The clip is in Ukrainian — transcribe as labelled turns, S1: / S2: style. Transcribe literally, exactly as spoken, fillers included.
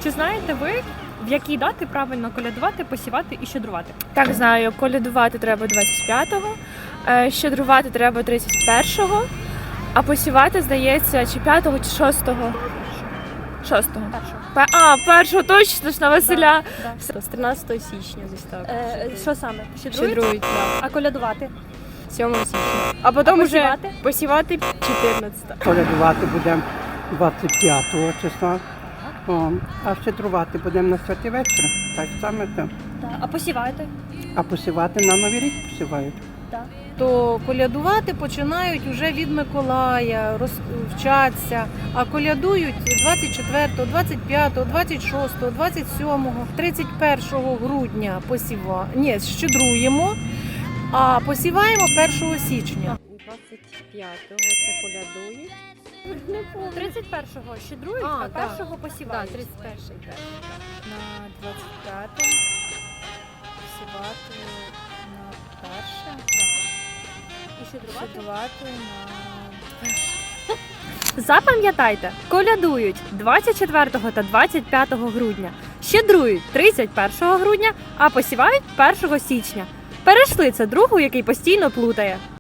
S1: Чи знаєте ви, в які дати правильно колядувати, посівати і щедрувати?
S2: Так, знаю, колядувати треба двадцять п'ятого, е, щедрувати треба тридцять першого, а посівати, здається, чи п'ятого, чи шостого. Шостого.
S1: Першого.
S2: Пе- А, першого точно ж на Василя.
S1: Да.
S3: З тринадцятого січня десь так.
S1: Е, що саме? Щедрують?
S3: Щедрують, так.
S1: А колядувати?
S3: сьомого січня.
S2: А потім
S1: А
S2: вже
S1: посівати?
S2: посівати.
S3: чотирнадцятого.
S4: Колядувати будемо двадцять п'ятого числа, о, а щедрувати будемо на святий вечір. Так само там.
S1: Так. А посівати?
S4: А посівати на Новий рік посівають.
S1: Так.
S5: То колядувати починають вже від Миколая, роз, вчаться, а колядують двадцять четвертого, двадцять п'ятого, двадцять шостого, двадцять сьомого, тридцять першого грудня посіва... Ні, щедруємо, а посіваємо першого січня.
S3: двадцять п'ятого це колядують.
S1: тридцять першого щедрують,
S3: А,
S1: а
S3: да.
S1: першого посівають.
S3: Так, тридцять перший перший. На двадцять п'яте посівати на перше.
S1: І щедрувати?
S3: Щедрувати на
S1: Запам'ятайте, колядують двадцять четвертого та двадцять п'ятого грудня, щедрують тридцять першого грудня, а посівають першого січня. Перейшли це другу, який постійно плутає.